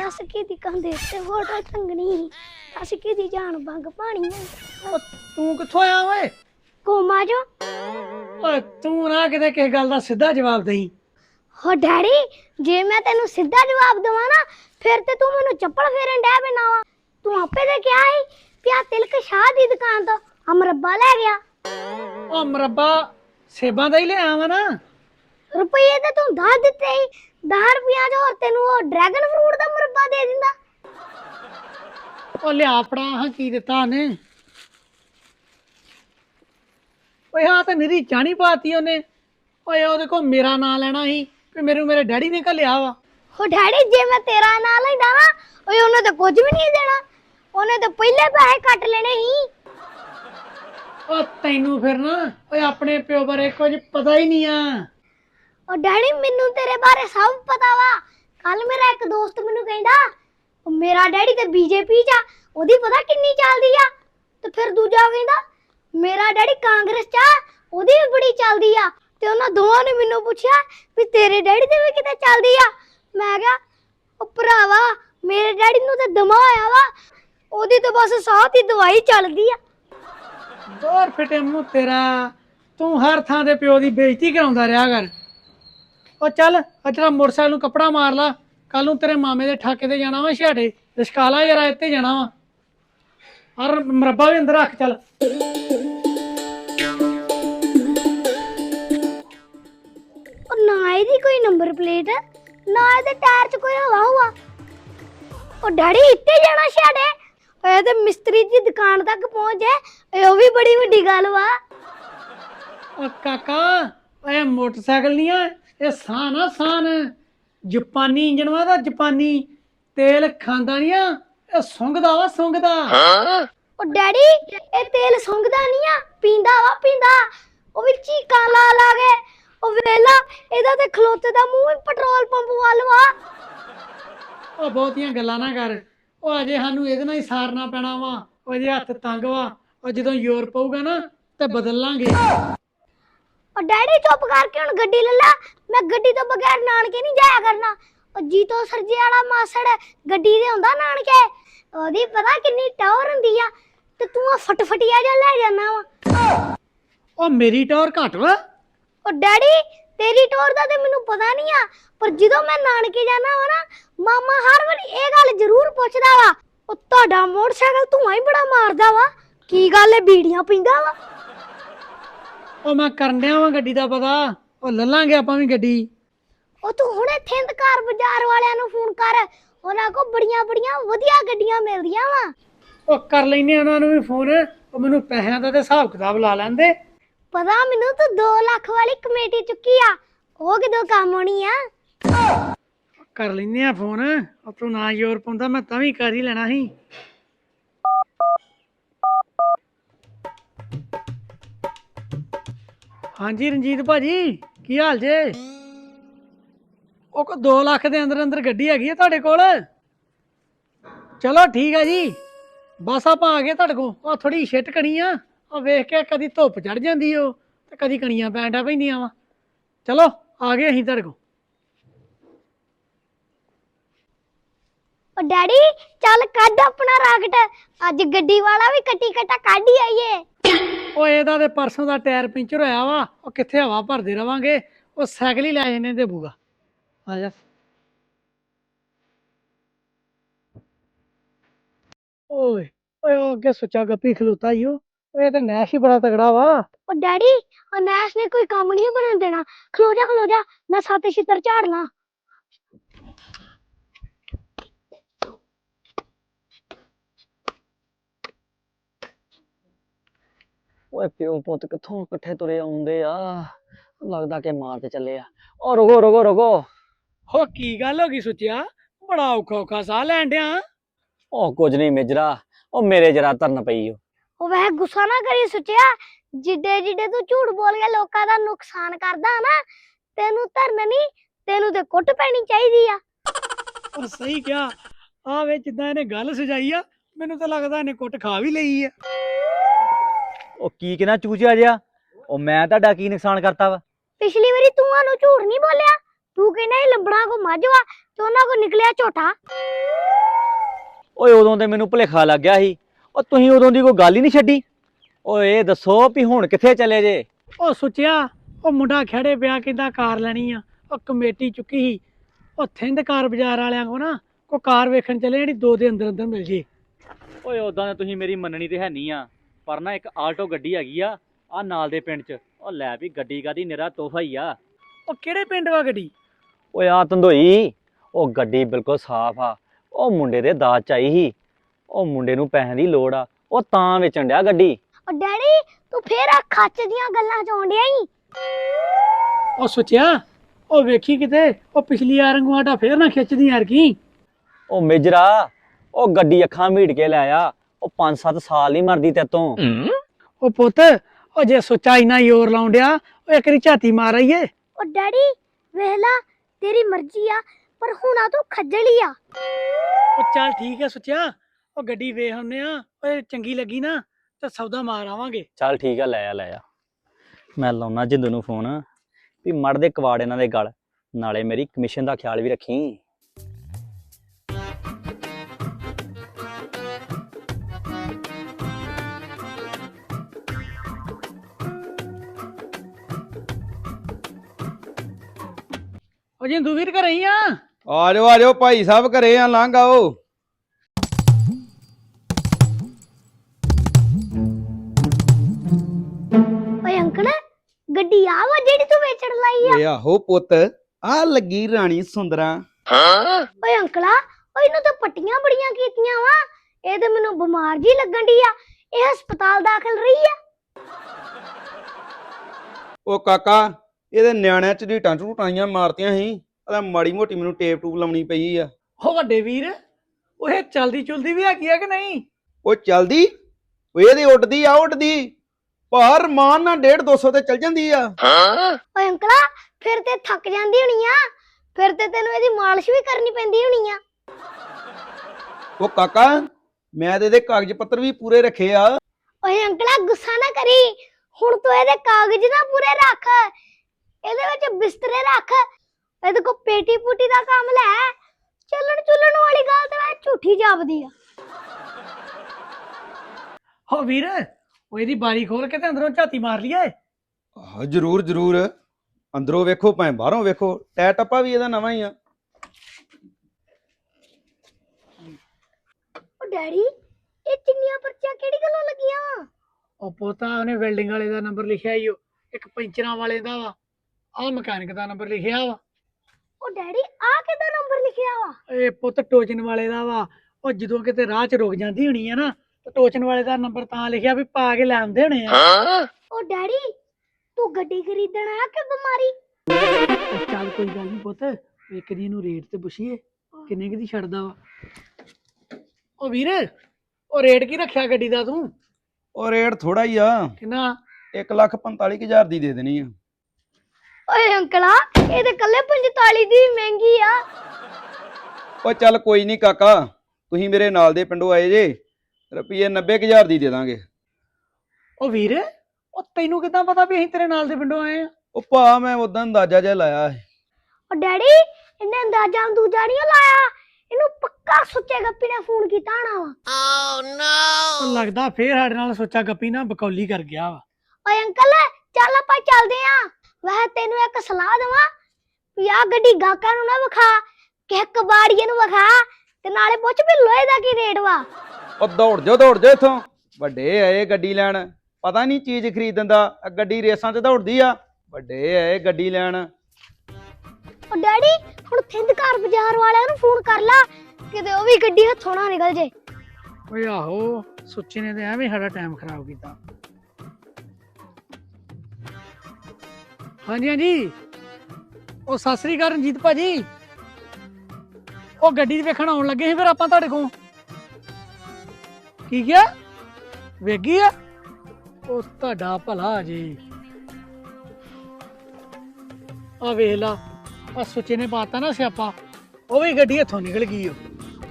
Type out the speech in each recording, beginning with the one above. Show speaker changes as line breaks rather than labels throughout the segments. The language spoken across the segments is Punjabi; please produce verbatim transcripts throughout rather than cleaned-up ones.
दस की दी कंधे ते फोटो टंगनी दस की दी जान बंग पानी
ਉਹ ਤੂੰ ਕਿੱਥੋਂ ਆਇਆ ਓਏ
कोमा जो
ਓਏ ਤੂੰ ਨਾ ਕਿਤੇ ਕਿਸੇ ਗੱਲ ਦਾ ਸਿੱਧਾ ਜਵਾਬ ਦੇਈਂ
हो डैडी जे मैं तेनू सीधा जवाब देवा ना फिर ते तू मेनू चप्पल फेरन डै पैना वा तू आपे ते क्या है पिया तिलक शाह दी दुकान तो हम रब्बा ले गया
ਉਹ ਮਰੱਬਾ ਸੇਬਾਂ ਦਾ ਹੀ ਲਿਆ ਵਾ ਨਾ
रुपये ते तू दस दिते ही दस रुपया च और तेनू वो ड्रैगन फ्रूट दा मुरब्बा दे दिंदा
ਉਹ ਲਿਆ ਫੜਾ ਹਾਂ ਕੀ ਦਿੱਤਾ ਉਹਨੇ ਓਏ ਹਾਂ ਤੇ ਨਿਰੀ ਚਾਣੀ ਪਾਤੀ ਉਹਨੇ ਓਏ ਉਹਦੇ ਕੋਲ ਮੇਰਾ ਨਾਂ ਲੈਣਾ ਸੀ ਵੀ ਮੈਨੂੰ ਮੇਰੇ ਡੈਡੀ ਨੇ ਘੱਲਿਆ ਵਾ
हो डैडी जे मैं तेरा नाम लेंदा ना ओए ओने तो कुछ भी नहीं देना ओने तो पहले पैसे कट लेने ही
ਉਹ ਤੈਨੂੰ ਫਿਰ ਨਾ ਓਏ ਆਪਣੇ ਪਿਓ ਬਾਰੇ ਕੁਝ ਪਤਾ ਹੀ ਨਹੀਂ ਆ
और डैडी मेनू तेरे बारे सब पता वा कल मेरा एक दोस्त मेनू कहंदा ओ मेरा डैडी ते बीजेपी च आ ओदी पता किन्नी चलदी आ ते फिर दूजा कहंदा मेरा डैडी कांग्रेस च आ ओदी भी बड़ी चलदी आ ते उन्हां दोवां ने मेनू पुछया भी तेरे डैडी ते भी किते चलदी आ मैं कहा ओ भरावा मेरे डैडी नू ते दमा होया वा ओदी ते बस साह दी दवाई चलदी आ
ਦੋਰ ਫਿਟੇ ਮੂੰਹ ਤੇਰਾ ਤੂੰ ਹਰ ਥਾਂ ਤੇ ਪਿਓ ਦੀ ਬੇਇੱਜ਼ਤੀ ਕਰਾਉਂਦਾ ਰਿਹਾ ਕਰ ਉਹ ਚੱਲ ਅਜਰਾ ਮੋਟਰਸਾਈਕਲ ਨੂੰ ਕੱਪੜਾ ਮਾਰ ਲਾ ਕੱਲ ਨੂੰ ਤੇਰੇ ਮਾਮੇ ਦੇ ਠਾਕੇ ਤੇ ਜਾਣਾ ਵਾ ਛਾੜੇ ਰਿਸ਼ਕਾਲਾ ਯਾਰ ਇੱਥੇ ਜਾਣਾ ਵਾ ਔਰ ਮਰੱਬਾ ਵੀ ਅੰਦਰ ਰੱਖ ਚੱਲ
और ना ਇਹਦੀ ਕੋਈ ਨੰਬਰ ਪਲੇਟ ਨਾ ਇਹਦੇ ਟਾਇਰ 'ਚ ਕੋਈ ਹਵਾ ਹੁਆ ਉਹ ਡੈਡੀ ਇੱਥੇ ਜਾਣਾ ਛਾੜੇ ਓਏ ਤੇ ਮਿਸਤਰੀ ਦੀ ਦੁਕਾਨ ਤੱਕ ਪਹੁੰਚ ਜਾਏ ਉਹ ਵੀ ਬੜੀ ਵੱਡੀ ਗੱਲ ਵਾ
ਉਹ ਕਾਕਾ ਓਏ ਮੋਟਰਸਾਈਕਲ ਨਹੀਂ ਆ ਇਹ ਸਾਨ ਆ ਸਾਨ ਜਾਪਾਨੀ ਇੰਜਣ ਵਾ ਦਾ ਜਾਪਾਨੀ ਤੇਲ ਖਾਂਦਾ ਨਹੀਂ ਆ ਇਹ ਸੁੰਘਦਾ ਵਾ ਸੁੰਘਦਾ
ਉਹ ਡੈਡੀ ਇਹ ਤੇਲ ਸੁੰਘਦਾ ਨਹੀਂ ਆ ਪੀਂਦਾ ਵਾ ਪੀਂਦਾ ਉਹ ਵੀ ਚੀਕਾਂ ਲਾ ਲਾ ਕੇ ਉਹ ਵੇਲਾ ਇਹਦਾ ਤੇ ਖਲੋਤੇ ਦਾ ਮੂੰਹ ਹੀ ਪੈਟਰੋਲ ਪੰਪ ਵੱਲ ਵਾ
ਉਹ ਬਹੁਤੀਆਂ ਗੱਲਾਂ ਨਾ ਕਰ ਉਹ ਅਜੇ ਸਾਨੂੰ ਇਹਦੇ ਨਾਲ ਹੀ ਸਾਰਨਾ ਪੈਣਾ ਵਾ ਉਹਦੇ ਹੱਥ ਤੰਗ ਵਾ ਉਹ ਜਦੋਂ ਯੂਰਪ ਪਊਗਾ ਨਾ ਤੇ ਬਦਲ ਲਾਂਗੇ
ਉਹ ਡੈਡੀ ਚੁੱਪ ਕਰਕੇ ਹੁਣ ਗੱਡੀ ਲੈ ਲਾ ਮੈਂ ਗੱਡੀ ਤੋਂ ਬਗੈਰ ਨਾਨਕੇ ਨਹੀਂ ਜਾਇਆ ਕਰਨਾ ਉਹ ਜੀਤੋ ਸਰਜੇ ਵਾਲਾ ਮਾਸੜ ਗੱਡੀ ਦੇ ਹੁੰਦਾ ਨਾਨਕੇ ਉਹਦੀ ਪਤਾ ਕਿੰਨੀ ਟੌਰ ਹੁੰਦੀ ਆ ਤੇ ਤੂੰ ਆ ਫਟਫਟੀਆ ਜਿਹਾ ਲੈ ਜਾਣਾ ਵਾ
ਉਹ ਮੇਰੀ ਟੌਰ ਘੱਟ ਵਾ
ਉਹ ਡੈਡੀ ਤੇਰੀ ਟੌਰ ਦਾ ਤੇ ਮੈਨੂੰ ਪਤਾ ਨਹੀਂ ਆ ਪਰ ਜਦੋਂ ਮੈਂ ਨਾਨਕੇ ਜਾਣਾ ਵਾ ਨਾ ਮਾਮਾ ਹਰ ਵਾਰੀ ਇਹ ਗੱਲ ਜ਼ਰੂਰ ਪੁੱਛਦਾ ਵਾ ਉਹ ਤੁਹਾਡਾ ਮੋਟਰਸਾਈਕਲ ਧੂਆਂ ਹੀ ਬੜਾ ਮਾਰਦਾ ਵਾ ਕੀ ਗੱਲ ਏ ਬੀੜੀਆਂ ਪੀਂਦਾ ਵਾ
ਉਹ ਮੈਂ ਕਰਨ ਡਿਆ ਵਾਂ ਗੱਡੀ ਦਾ ਪਤਾ ਉਹ ਲੱਲਾਂਗੇ ਆਪਾਂ ਵੀ ਗੱਡੀ
ਉਹ ਤੂੰ ਹੁਣੇ ਥਿੰਦਕਾਰ ਬਾਜ਼ਾਰ ਵਾਲਿਆਂ ਨੂੰ ਫੋਨ ਕਰ ਉਹਨਾਂ ਕੋ ਬੜੀਆਂ ਬੜੀਆਂ ਵਧੀਆ ਗੱਡੀਆਂ ਮਿਲਦੀਆਂ ਵਾ
ਉਹ ਕਰ ਲੈਨੇ ਉਹਨਾਂ ਨੂੰ ਵੀ ਫੋਨ ਉਹ ਮੈਨੂੰ ਪੈਸਿਆਂ ਦਾ ਤੇ ਹਿਸਾਬ ਕਿਤਾਬ ਲਾ ਲੈਂਦੇ
ਪਤਾ ਮੈਨੂੰ ਤੂੰ ਦੋ ਲੱਖ ਵਾਲੀ ਕਮੇਟੀ ਚੁੱਕੀ ਆ ਉਹ ਕਿਦੋਂ ਕੰਮ ਆਉਣੀ ਆ
ਕਰ ਲੈਨੇ ਆ ਫੋਨ ਉਹ ਤੂੰ ਨਾ ਯੂਰਪ ਪਾਉਂਦਾ ਮੈਂ ਤਾਂ ਵੀ ਕਰ ਹੀ ਲੈਣਾ ਸੀ ਹਾਂਜੀ ਰਣਜੀਤ ਭਾਜੀ ਕੀ ਹਾਲ ਜੇ ਉਹ ਕੋ ਦੋ ਲੱਖ ਦੇ ਅੰਦਰ ਅੰਦਰ ਗੱਡੀ ਹੈਗੀ ਆ ਤੁਹਾਡੇ ਕੋਲ ਚਲੋ ਠੀਕ ਆ ਜੀ ਬਸ ਆਪਾਂ ਆ ਗਏ ਤੁਹਾਡੇ ਕੋਲ ਉਹ ਥੋੜੀ ਛਿੱਟ ਕਣੀ ਆ ਉਹ ਵੇਖ ਕੇ ਕਦੀ ਧੁੱਪ ਚੜ ਜਾਂਦੀ ਉਹ ਤੇ ਕਦੀ ਕਣੀਆਂ ਪੈਂਡਾ ਪੈਂਦੀਆਂ ਵਾ ਚਲੋ ਆ ਗਏ ਅਸੀਂ ਤੁਹਾਡੇ ਕੋਲ
ਉਹ ਡੈਡੀ ਚੱਲ ਕੱਢ ਆਪਣਾ ਰਾਕਟ ਅੱਜ ਗੱਡੀ ਵਾਲਾ ਵੀ ਕੱਟੀ ਕੱਟਾ ਕੱਢ ਹੀ ਆਈਏ
ਉਹ ਇਹਦਾ ਤੇ ਪਰਸੋਂ ਦਾ ਟਾਇਰ ਪੈਂਚਰ ਹੋਇਆ ਵਾ ਉਹ ਕਿੱਥੇ ਹਵਾ ਭਰਦੇ ਰਵਾਂਗੇ ਉਹ ਸਾਈਕਲ ਹੀ ਲੈ ਜਾਂਦੇ ਤੇ ਬੂਗਾ ਆ ਜਾ ਓਏ ਓਏ ਉਹ ਅੱਗੇ ਸੁੱਚਾ ਗੱਪੀ ਖਲੋਤਾ ਈ ਉਹ ਇਹ ਤੇ ਨੈਸ਼ ਹੀ ਬੜਾ ਤਗੜਾ ਵਾ
ਉਹ ਡੈਡੀ ਉਹ ਨੈਸ ਨੇ ਕੋਈ ਕੰਮ ਨਹੀਂ ਬਣਨ ਦੇਣਾ ਖਲੋ ਜਾ ਖਲੋ ਜਾ ਮੈਂ ਸੱਤ ਛਿੱਤਰ ਝਾੜ ਲਾਂ
ਓਏ ਪਿਓ ਪੁੱਤ ਕਿੱਥੋਂ ਇਕੱਠੇ ਤੁਰੇ ਆਉਂਦੇ ਆ ਲੱਗਦਾ ਕਿ ਮਾਰ ਤੇ ਚੱਲੇ ਆ ਓ ਰੁਕੋ ਰੁਕੋ ਰੁਕੋ
ਹੋ ਕੀ ਗੱਲ ਹੋ ਗਈ ਸੁੱਚਿਆ ਬੜਾ ਔਖਾ ਔਖਾ ਸਾਹ ਲੈਣ ਡਿਆ
ਓ ਕੁਝ ਨਹੀਂ ਮੇਜਰਾ ਓ ਮੇਰੇ ਜਰਾ ਧਰਨ ਪਈ ਓ
ਉਹ ਵੈਸੇ ਗੁੱਸਾ ਨਾ ਕਰੀ ਸੁੱਚਿਆ ਜਿੱਡੇ ਜਿੱਡੇ ਤੂੰ ਝੂਠ ਬੋਲ ਕੇ ਲੋਕਾਂ ਦਾ ਨੁਕਸਾਨ ਕਰਦਾ ਨਾ ਤੈਨੂੰ ਧਰਨ ਨਹੀਂ ਤੈਨੂੰ ਤੇ ਕੁੱਟ ਪੈਣੀ ਚਾਹੀਦੀ ਆ
ਉਹ ਸਹੀ ਕਿਹਾ ਆ ਵੇ ਜਿੱਦਾਂ ਇਹਨੇ ਗੱਲ ਸਜਾਈ ਆ ਮੈਨੂੰ ਤਾਂ ਲੱਗਦਾ ਇਹਨੇ ਕੁੱਟ ਖਾ ਵੀ ਲਈ ਆ
ਉਹ ਕੀ ਕਿਨਾ ਚੂਚਿਆ ਜਿਆ ਉਹ ਮੈਂ ਤੁਹਾਡਾ ਕੀ ਨੁਕਸਾਨ ਕਰਤਾ ਵਾ
ਪਿਛਲੀ ਵਾਰੀ ਤੂੰ ਸਾਨੂੰ ਝੂਠ ਨਹੀਂ ਬੋਲਿਆ ਤੂੰ ਕਹਿੰਦਾ ਇਹ ਲੰਬੜਾ ਕੋ ਮੱਝ ਵਾ ਤੇ ਉਹਨਾਂ ਕੋ ਨਿਕਲਿਆ ਝੋਟਾ
ਓਏ ਉਦੋਂ ਤੇ ਮੈਨੂੰ ਭੁਲੇਖਾ ਲੱਗ ਗਿਆ ਸੀ। ਉਹ ਤੁਸੀਂ ਉਦੋਂ ਦੀ ਕੋਈ ਗੱਲ ਹੀ ਨਹੀਂ ਛੱਡੀ। ਓਏ ਇਹ ਦੱਸੋ ਵੀ ਹੁਣ ਕਿੱਥੇ ਚਲੇ ਜੇ?
ਉਹ ਸੁੱਚਿਆ, ਉਹ ਮੁੰਡਾ ਖੜੇ ਪਿਆ ਕਹਿੰਦਾ ਕਾਰ ਲੈਣੀ ਆ। ਉਹ ਕਮੇਟੀ ਚੁੱਕੀ ਸੀ ਉਹ ਥਿੰਦ ਕਾਰ ਬਾਜ਼ਾਰ ਵਾਲਿਆਂ ਕੋ ਨਾ, ਕੋ ਕਾਰ ਵੇਖਣ ਚੱਲੇ ਜਿਹੜੀ ਦੋ ਦੇ ਅੰਦਰ ਅੰਦਰ ਮਿਲ ਜੇ।
ਓਏ ਉਦਾਂ ਤਾਂ ਤੁਸੀਂ ਮੇਰੀ ਮੰਨਣੀ ਤੇ ਹੈ ਨਹੀਂ ਆ, ਪਰ ਨਾ ਇੱਕ ਆਲਟੋ ਗੱਡੀ ਹੈਗੀ ਆ ਆ ਨਾਲ ਦੇ ਪਿੰਡ 'ਚ। ਉਹ ਲੈ ਵੀ ਗੱਡੀ ਕਾਦੀ, ਨਿਰਾ ਤੋਹਫਾ ਹੀ ਆ।
ਉਹ ਕਿਹੜੇ ਪਿੰਡ ਵਾ ਗੱਡੀ?
ਓਏ ਆ ਧੰਦੋਈ, ਉਹ ਗੱਡੀ ਬਿਲਕੁਲ ਸਾਫ਼ ਆ। ਉਹ ਮੁੰਡੇ ਦੇ ਦਾਜ ਚ ਆਈ ਸੀ। ਉਹ ਮੁੰਡੇ ਨੂੰ ਪੈਸਿਆਂ ਦੀ ਲੋੜ ਆ, ਉਹ ਤਾਂ ਵੇਚਣ ਡਿਆ ਗੱਡੀ।
ਉਹ ਡੈਡੀ ਤੂੰ ਫੇਰ ਆ ਖੱਚ ਦੀਆਂ ਗੱਲਾਂ ਚ ਆਉਣ ਡਿਆ ਈ।
ਉਹ ਸੁੱਚਿਆ, ਉਹ ਵੇਖੀ ਕਿਤੇ ਉਹ ਪਿਛਲੀ ਵਾਰ ਵਾਂਗੂ ਆਟਾ ਫੇਰ ਨਾ ਖਿੱਚਦੀ ਯਾਰ ਕੀ।
ਉਹ ਮੇਜਰਾ, ਉਹ ਗੱਡੀ ਅੱਖਾਂ ਮੀਟ ਕੇ ਲੈ ਆ। ਉਹ ਪੰਜ ਸੱਤ ਸਾਲ ਨਹੀਂ ਮਰਦੀ ਤੇਤੋਂ।
ਉਹ ਪੁੱਤ, ਉਹ ਜੇ ਸੁੱਚਾ ਇੰਨਾ ਜ਼ੋਰ ਲਾਉਣ ਡਿਆ, ਉਹ ਇੱਕ ਵਾਰੀ ਝਾਤੀ ਮਾਰ ਆਈਏ।
ਉਹ ਡੈਡੀ ਵੇਖ ਲਾ ਤੇਰੀ ਮਰਜ਼ੀ ਆ, ਪਰ ਹੁਣ ਆ ਤੂੰ ਖੱਜਲੀ ਆ।
ਉਹ ਚੱਲ ਠੀਕ ਹੈ ਸੁੱਚਿਆ, ਉਹ ਗੱਡੀ ਵੇਖ ਆਉਂਦੇ ਆ। ਓਏ ਚੰਗੀ ਲੱਗੀ ਨਾ ਤਾਂ ਸੌਦਾ ਮਾਰ ਆਵਾਂਗੇ।
ਚੱਲ ਠੀਕ ਆ, ਲੈ ਆ ਲੈ ਆ। ਮੈਂ ਲਾਉਣਾ ਜਿੰਦੂ ਨੂੰ ਫੋਨ ਵੀ ਮੜ ਦੇ ਕਵਾੜ ਇਹਨਾਂ ਦੇ ਗਲ, ਨਾਲੇ ਮੇਰੀ ਕਮਿਸ਼ਨ ਦਾ ਖਿਆਲ ਵੀ ਰੱਖੀ।
ਉਹ ਜਿੰਦੂ ਵੀਰ ਘਰੇ ਹੀ ਆ?
ਆ ਜਾਓ ਆ ਜਾਓ ਭਾਈ ਸਾਹਿਬ, ਘਰੇ ਆ, ਲੰਘ ਆਓ।
ਓਏ ਅੰਕਲ ਗੱਡੀ ਆ ਵਾ ਜਿਹੜੀ ਤੂੰ ਵੇਚਣ ਲਾਈ ਆ?
ਓਏ ਆਹੋ ਪੁੱਤ, ਆ ਲੱਗੀ ਰਾਣੀ ਸੁੰਦਰਾ।
ਓਏ ਅੰਕਲਾ, ਓਏ ਇਹਨੂੰ ਤਾਂ ਪੱਟੀਆਂ ਬੜੀਆਂ ਕੀਤੀਆਂ ਵਾ। ਇਹ ਤੇ ਮੈਨੂੰ ਬਿਮਾਰ ਜੀ ਲੱਗਣ ਦੀ ਆ। ਇਹ ਹਸਪਤਾਲ ਦਾਖਲ ਰਹੀ ਆ।
ਉਹ ਕਾਕਾ, ਇਹਦੇ ਨਿਆਣਿਆਂ ਚ ਢੀਟਾਂ ਝੂਟਾਈਆਂ ਮਾਰਤੀਆਂ ਸੀ। ਉਹਦਾ ਮਾੜੀ ਮੋਟੀ ਮੈਨੂੰ ਟੇਪ ਟੂਪ ਲਾਉਣੀ ਪਈ ਆ।
ਉਹ ਵੱਡੇ ਵੀਰ, ਉਹ ਇਹ ਚਲਦੀ ਚੁਲਦੀ ਵੀ ਹੈਗੀ ਆ ਕਿ ਨਹੀਂ?
ਉਹ ਚੱਲਦੀ, ਉਹ ਇਹਦੀ ਉੱਡਦੀ ਆ ਉੱਡਦੀ, ਪਰ ਮਾਨ ਨਾਲ ਡੇਢ ਦੋ ਸੌ ਤੇ ਚੱਲ ਜਾਂਦੀ ਆ।
ਓਏ ਅੰਕਲਾ ਫਿਰ ਤੇ ਥੱਕ ਜਾਂਦੀ ਹੋਣੀ ਆ, ਫਿਰ ਤੇ ਤੈਨੂੰ ਇਹਦੀ ਮਾਲਿਸ਼ ਵੀ ਕਰਨੀ ਪੈਂਦੀ ਹੋਣੀ ਆ।
ਉਹ ਕਾਕਾ, ਮੈਂ ਤੇ ਇਹਦੇ ਕਾਗਜ਼ ਪੱਤਰ ਵੀ ਪੂਰੇ ਰੱਖੇ ਆ।
ਓਏ ਅੰਕਲਾ ਗੁੱਸਾ ਨਾ ਕਰੀ, ਹੁਣ ਤੂੰ ਇਹਦੇ ਕਾਗਜ਼ ਨਾ ਪੂਰੇ ਰੱਖ, ਇਹਦੇ ਵਿੱਚ ਬਿਸਤਰੇ ਰੱਖ, ਇਹਦੇ ਕੋ ਪੇਟੀ ਪੂਟੀ ਦਾ ਕੰਮ ਲੈ। ਚੱਲਣ ਚੁੱਲਣ ਵਾਲੀ ਗੱਲ ਤੇ ਮੈਂ ਝੂਠੀ ਜਾਪਦੀ ਆ।
ਹੋ ਵੀਰ, ਉਹ ਇਹਦੀ ਬਾਰੀ ਖੋਲ ਕੇ ਤੇ ਅੰਦਰੋਂ ਝਾਤੀ ਮਾਰ ਲਈਏ।
ਹਾਂ ਜਰੂਰ ਜਰੂਰ, ਅੰਦਰੋਂ ਵੇਖੋ ਭਾਵੇਂ ਬਾਹਰੋਂ ਵੇਖੋ, ਟੈ ਟੱਪਾ ਵੀ ਇਹਦਾ ਨਵਾਂ ਹੀ ਆ।
ਓ ਡੈਡੀ, ਇਹ ਚਿੰਨੀਆਂ ਪਰਚੀਆਂ ਕਿਹੜੀ ਗੱਲੋਂ ਲੱਗੀਆਂ?
ਉਹ ਪੋਤਾ ਉਹਨੇ ਵੈਲਡਿੰਗ ਵਾਲੇ ਦਾ ਨੰਬਰ ਲਿਖਿਆ ਈ, ਉਹ ਇੱਕ ਪੈਂਚਰਾਂ ਵਾਲੇ ਦਾ ਵਾ, ਆਹ ਮਕੈਨਿਕ ਦਾ ਨੰਬਰ ਲਿਖਿਆ ਵਾ।
ਓ ਡੈਡੀ ਆ ਕਿਹਦਾ ਨੰਬਰ ਲਿਖਿਆ ਵਾ?
ਇਹ ਪੁੱਤ ਟੋਚਨ ਵਾਲੇ ਦਾ ਵਾ। ਉਹ ਜਦੋਂ ਕਿਤੇ ਰਾਹ 'ਚ ਰੁਕ ਜਾਂਦੀ ਹੋਣੀ ਆ ਨਾ, ਤੇ ਟੋਚਨ ਵਾਲੇ ਦਾ ਨੰਬਰ ਤਾਂ ਲਿਖਿਆ ਵੀ ਪਾ ਕੇ ਲੈ ਆਉਂਦੇ ਹੋਣੇ ਆ।
ਓ ਡੈਡੀ ਤੂੰ ਗੱਡੀ ਖਰੀਦਣ ਆਇਆ ਕਿ ਬਿਮਾਰੀ?
ਉਹ ਚੱਲ ਕੋਈ ਗੱਲ ਨਹੀਂ ਪੁੱਤ, ਇੱਕ ਦੀ ਨੂੰ ਰੇਟ ਤੇ ਪੁੱਛੀਏ ਕਿੰਨੇ ਕੁ ਦੀ ਛੱਡਦਾ ਵਾ। ਉਹ ਵੀਰ, ਉਹ ਰੇਟ ਕੀ ਰੱਖਿਆ ਗੱਡੀ ਦਾ ਤੂੰ?
ਉਹ ਰੇਟ ਥੋੜਾ ਹੀ ਆ,
ਕਿੰਨਾ?
ਇੱਕ ਲੱਖ ਪੰਤਾਲੀ ਕੁ ਹਜ਼ਾਰ ਦੀ ਦੇ ਦੇਣੀ ਆ।
ਓਏ ਅੰਕਲਾ, ਇਹ ਤੇ ਕੱਲੇ ਪੰਤਾਲੀ ਦੀ ਵੀ ਮਹਿੰਗੀ ਆ।
ਉਹ ਚੱਲ ਕੋਈ ਨਹੀਂ ਕਾਕਾ, ਤੁਸੀਂ ਮੇਰੇ ਨਾਲ ਦੇ ਪਿੰਡੋਂ ਆਏ ਜੇ, ਰੁਪਈਏ ਨੱਬੇ ਕੁ ਹਜ਼ਾਰ ਦੀ ਦੇ ਦਾਂਗੇ।
ਉਹ ਵੀਰ, ਉਹ ਤੈਨੂੰ ਕਿੱਦਾਂ ਪਤਾ ਵੀ ਅਸੀਂ ਤੇਰੇ ਨਾਲ ਦੇ ਪਿੰਡੋਂ ਆਏ ਆ?
ਉਹ ਭਾ ਮੈਂ ਉਦਾਂ ਅੰਦਾਜ਼ਾ ਜਿਹਾ ਲਾਇਆ ਸੀ।
ਓ ਡੈਡੀ ਇਹਨੇ ਅੰਦਾਜ਼ਾ ਦੂਜਾ ਨਹੀਂ ਲਾਇਆ, ਇਹਨੂੰ ਪੱਕਾ ਸੁੱਚੇ ਗੱਪੀ ਨੇ ਫੋਨ ਕੀਤਾ ਹੋਣਾ ਵਾ।
ਉਹ ਲੱਗਦਾ ਫੇਰ ਸਾਡੇ ਨਾਲ ਸੋਚਾ ਗੱਪੀ ਨਾ ਬਕੌਲੀ ਕਰ ਗਿਆ ਵਾ।
ਓਏ ਅੰਕਲ ਚੱਲ ਆਪਾਂ ਚੱਲਦੇ ਆਂ। ਵੈਸੇ ਤੈਨੂੰ ਇੱਕ ਸਲਾਹ ਦੇਵਾਂ ਵੀ ਆ ਗੱਡੀ ਗਾਹਕਾਂ ਨੂੰ ਨਾ ਵਿਖਾ, ਕਿਸੇ ਕਬਾੜੀਏ ਨੂੰ ਵਿਖਾ, ਤੇ ਨਾਲੇ ਪੁੱਛ ਵੀ ਲੋਹੇ ਦਾ ਕੀ ਰੇਟ ਵਾ।
ਉਹ ਦੌੜ ਜਾ ਦੌੜ ਜਾ ਇੱਥੋਂ, ਵੱਡੇ ਆਏ ਗੱਡੀ ਲੈਣ, ਪਤਾ ਨਹੀਂ ਚੀਜ਼ ਖਰੀਦਣ ਦਾ। ਗੱਡੀ ਰੇਸਾਂ 'ਚ ਦੌੜਦੀ ਆ, ਵੱਡੇ ਆਏ ਗੱਡੀ ਲੈਣ।
ਓ ਡੈਡੀ ਹੁਣ ਥਿੰਦਕਾਰ ਬਾਜ਼ਾਰ ਵਾਲਿਆਂ ਨੂੰ ਫੋਨ ਕਰ ਲਾ, ਕਿਤੇ ਉਹ ਵੀ ਗੱਡੀ ਹੱਥੋਂ ਨਾ ਨਿਕਲ ਜੇ।
ਓਏ ਆਹੋ, ਸੁੱਚੇ ਨੇ ਤੇ ਐਵੇਂ ਸਾਡਾ ਟਾਈਮ ਖਰਾਬ ਕੀਤਾ। ਹਾਂਜੀ ਹਾਂਜੀ, ਉਹ ਸਤਿ ਸ੍ਰੀ ਅਕਾਲ ਰਣਜੀਤ ਭਾਜੀ। ਉਹ ਗੱਡੀ ਵੇਖਣ ਆਉਣ ਲੱਗੇ ਸੀ ਫਿਰ ਆਪਾਂ ਤੁਹਾਡੇ ਕੋਲ। ਕੀ ਕਿਹਾ? ਵੇਗੀ ਆ? ਉਹ ਤੁਹਾਡਾ ਭਲਾ ਜੀ। ਆ ਵੇਖ ਲਾ, ਆ ਸੁੱਚੇ ਨੇ ਪਾਤਾ ਨਾ ਸਿਆਪਾ, ਉਹ ਵੀ ਗੱਡੀ ਹੱਥੋਂ ਨਿਕਲ ਗਈ। ਉਹ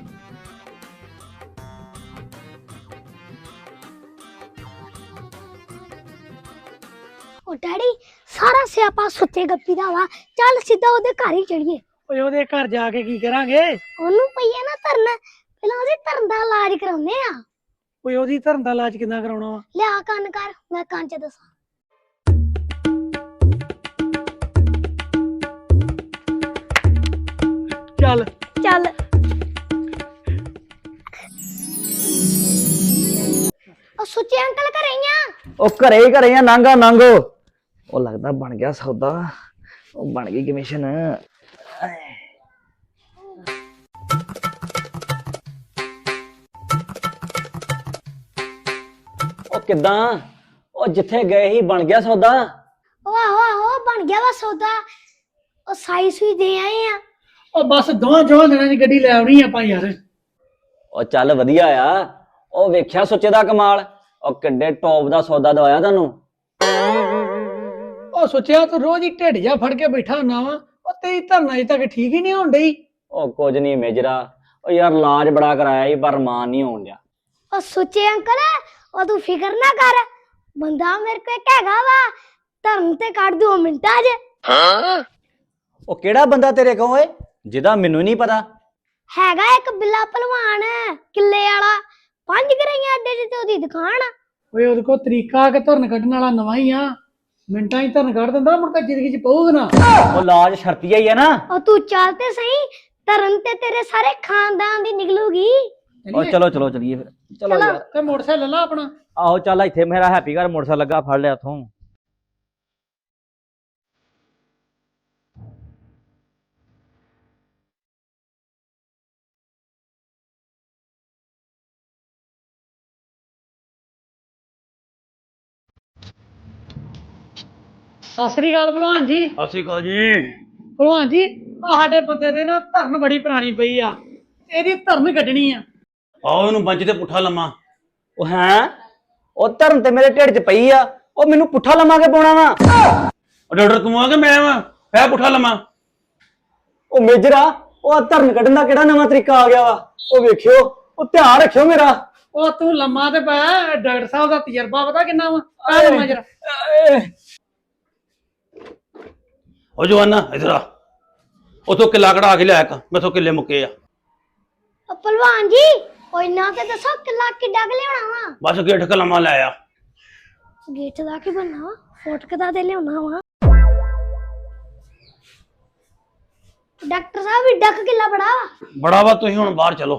ਓ ਡੈਡੀ ਸਾਰਾ ਸਿਆਪਾ ਸੁੱਚੇ ਗੱਪੀ ਦਾ ਵਾ, ਚੱਲ ਸਿੱਧਾ ਉਹਦੇ ਘਰ ਹੀ ਚੜੀਏ।
ਓਏ ਉਹਦੇ ਘਰ ਜਾ ਕੇ ਕੀ ਕਰਾਂਗੇ?
ਉਹਨੂੰ ਪਈਏ ਨਾ ਧਰਨ, ਪਹਿਲਾਂ ਉਹਦੇ ਧਰਨ ਦਾ ਇਲਾਜ ਕਰਾਉਨੇ ਆ।
ਓਏ ਉਹਦੀ ਧਰਨ ਦਾ ਇਲਾਜ ਕਿੱਦਾਂ ਕਰਾਉਣਾ ਵਾ?
ਲਿਆ ਕੰਨ ਕਰ, ਮੈਂ ਕੰਨ ਚ ਦੱਸਾਂ।
ਚੱਲ
ਚੱਲ ਉਹ ਸੁੱਚੇ ਅੰਕਲ ਘਰੇ ਹੀ ਆ।
ਉਹ ਘਰੇ ਹੀ ਘਰੇ ਆ, ਨਾਂਗਾ ਨਾਂਗੋ। ਉਹ ਲੱਗਦਾ ਬਣ ਗਿਆ ਸੌਦਾ। ਉਹ ਬਣ ਗਈ ਕਮਿਸ਼ਨ। ਉਹ ਕਿੱਦਾਂ? ਉਹ ਜਿੱਥੇ ਗਏ ਹੀ ਬਣ ਗਿਆ ਸੌਦਾ।
ਉਹ ਆਹੋ ਆਹੋ ਬਣ ਗਿਆ ਵਾ ਸੌਦਾ। ਉਹ ਸਾਈ ਸੂਈ ਦੇ ਆਏ ਆ।
ਉਹ ਬਸ ਦੋਵਾਂ ਚੋਹਾਂ ਦਿਨਾਂ ਦੀ ਗੱਡੀ ਲੈ ਆਉਣੀ ਆਪਾਂ ਯਾਰ।
ਉਹ ਚੱਲ ਵਧੀਆ ਆ। ਉਹ ਵੇਖਿਆ ਸੁੱਚੇ ਦਾ ਕਮਾਲ। ਉਹ ਕਿੱਡੇ ਟੌਪ ਦਾ ਸੌਦਾ ਦਵਾਇਆ ਤੁਹਾਨੂੰ।
ਉਹ ਸੋਚਿਆ ਤੂੰ ਰੋਜ਼ ਹੀ ਢਿੱਡ ਜਾ ਫੜ ਕੇ ਬੈਠਾ ਹੁੰਨਾ ਵਾ। ਉਹ ਤੇਰੀ ਧਰਨ ਅਜੇ ਤੱਕ ਠੀਕ ਹੀ ਨਹੀਂ ਹੋਣ ਡਈ।
ਉਹ ਕੁਝ ਨਹੀਂ ਮੇਜਰਾ। ਉਹ ਯਾਰ ਇਲਾਜ ਬੜਾ ਕਰਾਇਆ ਸੀ ਪਰ ਮਾਨ ਨਹੀਂ ਹੋਣ ਡਿਆ।
ਉਹ ਸੁੱਚੇ ਅੰਕਲ ਉਹ ਤੂੰ ਫਿਕਰ ਨਾ ਕਰ, ਬੰਦਾ ਮੇਰੇ ਕੋਲ ਇੱਕ ਹੈਗਾ ਵਾ, ਧਰਨ ਤੇ ਕੱਢ ਦੋ ਮਿੰਟਾਂ 'ਚ।
ਉਹ ਕਿਹੜਾ ਬੰਦਾ ਤੇਰੇ ਕੋਲ ਓਏ ਜਿਹਦਾ ਮੈਨੂੰ ਨਹੀਂ ਪਤਾ?
ਹੈਗਾ ਇੱਕ ਬਿੱਲਾ ਭਲਵਾਨ ਕਿੱਲੇ ਵਾਲਾ, ਪੰਜ ਗਰਾਈਆਂ ਅੱਡੇ 'ਚ ਤੇ ਉਹਦੀ ਦੁਕਾਨ ਆ।
ਓਏ ਉਹਦੇ ਕੋਲ ਤਰੀਕਾ ਕਿ ਧਰਨ ਕੱਢਣ ਵਾਲਾ ਨਵਾਂ ਹੀ ਆ। ਮਿੰਟਾਂ ਹੀ ਧਰਨ ਕੱਢ ਦਿੰਦਾ, ਮੁੜ ਕੇ ਜ਼ਿੰਦਗੀ 'ਚ ਪਊਗਾ ਨਾ।
ਉਹ ਇਲਾਜ ਸ਼ਰਤੀਆ ਹੀ ਆ ਨਾ।
ਉਹ ਤੂੰ ਚੱਲ ਤੇ ਸਹੀ, ਧਰਨ ਤੇ ਤੇਰੇ ਸਾਰੇ ਖਾਨਦਾਨ ਦੀ ਨਿਕਲੂਗੀ।
ਉਹ ਚਲੋ ਚਲੋ ਚਲੀਏ ਫਿਰ। ਚਲੋ
ਚਲੋ।
ਯਾਰ।
ਤੇ ਮੋਟਰਸਾਈਕਲ ਲੈ ਲਾ ਆਪਣਾ।
ਆਹੋ ਚੱਲ ਇੱਥੇ ਮੇਰਾ ਹੈਪੀ ਘਰ ਮੋਟਰਸਾਈਕਲ ਲੱਗਾ, ਫੜ ਲਿਆ ਉਥੋਂ।
ਸਤਿ ਸ੍ਰੀ ਅਕਾਲ ਭਲਵਾਨ ਜੀ।
ਸਤਿ ਸ਼੍ਰੀ ਅਕਾਲ ਜੀ।
ਭਲਵਾਨ ਜੀ ਆਹ ਸਾਡੇ ਬੰਦੇ ਦੇ ਨਾ ਧਰਨ ਬੜੀ ਪੁਰਾਣੀ ਪਈ ਆ, ਇਹਦੀ ਧਰਨ ਕੱਢਣੀ ਆ।
ਆਓ ਇਹਨੂੰ ਬੰਚ ਤੇ ਪੁੱਠਾ ਲੰਮਾ।
ਉਹ ਹੈ ਉਹ ਧਰਨ ਤੇ ਮੇਰੇ ਢਿੱਡ 'ਚ ਪਈ ਆ। ਉਹ ਮੈਨੂੰ ਪੁੱਠਾ ਲੰਮਾ ਕੇ ਪਾਉਣਾ ਵਾ।
ਉਹ ਡਾਕਟਰ ਤੂੰ ਆ ਕਿ ਮੈਂ ਵਾ ਪੈ ਪੁੱਠਾ ਲੰਮਾ।
ਉਹ ਮੇਜਰਾ ਉਹ ਧਰਨ ਕੱਢਣ ਦਾ ਕਿਹੜਾ ਨਵਾਂ ਤਰੀਕਾ ਆ ਗਿਆ ਵਾ? ਉਹ ਵੇਖਿਓ, ਉਹ ਧਿਆਨ ਰੱਖਿਓ ਮੇਰਾ।
ਉਹ ਤੂੰ ਲੰਮਾ ਤੇ ਪਿਆ, ਡਾਕਟਰ ਸਾਹਿਬ ਦਾ ਤਜਰਬਾ ਪਤਾ ਕਿੰਨਾ ਵਾ? ਆ ਲੰਮਾ ਜਰਾ।
ਉਹ ਜਵਾਨਾ ਇਧਰ ਆ, ਉਥੋਂ ਕਿੱਲਾ ਕਢਾ ਕੇ ਲਿਆ ਇੱਕ, ਮੈਥੋਂ ਕਿੱਲੇ ਮੁੱਕੇ ਆ।
ਉਹ ਭਲਵਾਨ ਜੀ ਉਹ ਇੰਨਾ ਤੇ ਦੱਸੋ ਕਿੱਲਾ ਕਿੱਡਾ ਕੁ ਲਿਆਉਣਾ ਵਾ?
ਬਸ ਗੇਠ ਕ ਲੰਮਾ ਲੈ ਆ।
ਗੇਟ ਦਾ ਕੀ ਬਣਨਾ ਵਾ? ਫੋਟਕ ਦਾ ਤੇ ਲਿਆਉਣਾ ਵਾ। ਡਾਕਟਰ ਸਾਹਿਬ ਵੀ ਡੱਕ ਕਿੱਲਾ ਬੜਾ ਵਾ।
ਬੜਾ ਵਾ, ਤੁਸੀਂ ਹੁਣ ਬਾਹਰ ਚਲੋ।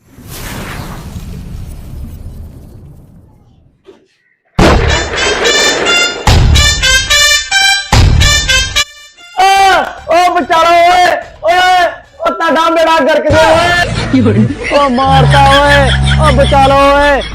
ਉਹ ਬਚਾਲੋ ਓਏ ਓਏ। ਉਹ ਤੁਹਾਡਾ ਬੇੜਾ ਗਰਕ ਗਿਆ ਓਏ। ਉਹ ਮਾਰਤਾ ਓਏ। ਉਹ ਬਚਾਲੋ ਓਏ।